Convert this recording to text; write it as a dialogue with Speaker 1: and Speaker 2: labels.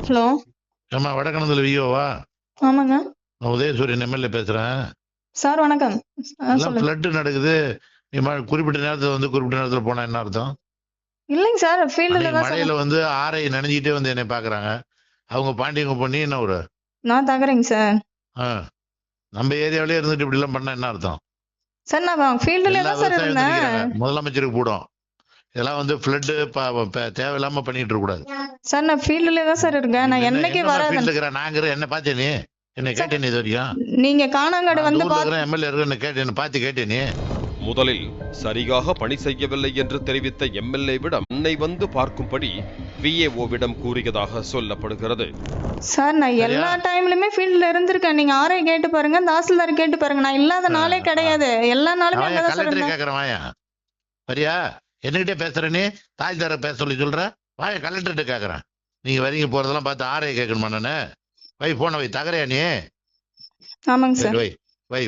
Speaker 1: Hello.
Speaker 2: ஆமா, வடக்கணத்துல விஓவா?
Speaker 1: ஆமாங்க.
Speaker 2: நான் உதயசூரியன் எம்எல்ஏ பேசுறேன்.
Speaker 1: சார் வணக்கம்.
Speaker 2: எல்லாம் ஃப்ளட் நடக்குது. நீ குறிப்பிட்ட நேரத்துல வந்து குறிப்பிட்ட நேரத்துல போனா என்ன அர்த்தம்?
Speaker 1: இல்லைங்க சார், ஃபீல்டுல தான்
Speaker 2: மழையில வந்து ஆரை நனைஞ்சிட்டே வந்து என்னை பாக்குறாங்க. அவங்க பாண்டியங்க பண்ணி என்ன ஒரு
Speaker 1: நான் தகறேங்க சார்.
Speaker 2: நம்ம ஏரியாவிலே இருந்துட்டு இப்படி எல்லாம் பண்ணா என்ன அர்த்தம்?
Speaker 1: சார் நான் ஃபீல்டுல தான் சார் இருந்தேன்.
Speaker 2: முதலமைச்சருக்கு போடும். இதெல்லாம் வந்து ஃப்ளட் தேவையில்லாம பண்ணிட்டு இருக்க கூடாது.
Speaker 1: சார் நான் ஃபீல்டுல தான் சார் இருக்கேன். நான் என்னைக்கு வரேன்.
Speaker 2: நாங்க என்ன பார்த்தே நீ? என்ன கேட்டே நீ இது வரைக்கும்?
Speaker 1: நீங்க காணாங்கடை வந்து
Speaker 2: எம்எல்ஏ என்ன கேட்டு என்ன பார்த்து கேட்டே நீ?
Speaker 3: முதலில் சரியாக பணி செய்யவில்லை என்று தெரிவித்த எம்எல்ஏவிடம் அன்னை வந்து பார்க்கும்படி விஏஓவிடம் கூறியதாக சொல்லப்படுகிறது.
Speaker 1: சார் நான் எல்லா டைம்லயுமே ஃபீல்ட்ல இருந்திருக்கேன். நீங்க ஆர்ஐ கேட்டு பாருங்க, தாசில்தார் கேட்டு பாருங்க. நான் இல்லாத நாளே கிடையாது. எல்லா நாளுமே அங்கதான் சார் இருந்தேன்.
Speaker 2: கேக்குறேன் வாயா. சரியா? என்னகிட்டே பேசுற நீ? தாய்தார பேச சொல்ற வாய. கலெக்டர்கிட்ட கேக்குறேன். நீங்க வரீங்க போறதெல்லாம் பார்த்து ஆர்ஐ கேட்கணுமா? நானு வை போன வை. தகரையா நீ?
Speaker 1: ஆமாங்க சார்.
Speaker 2: வை.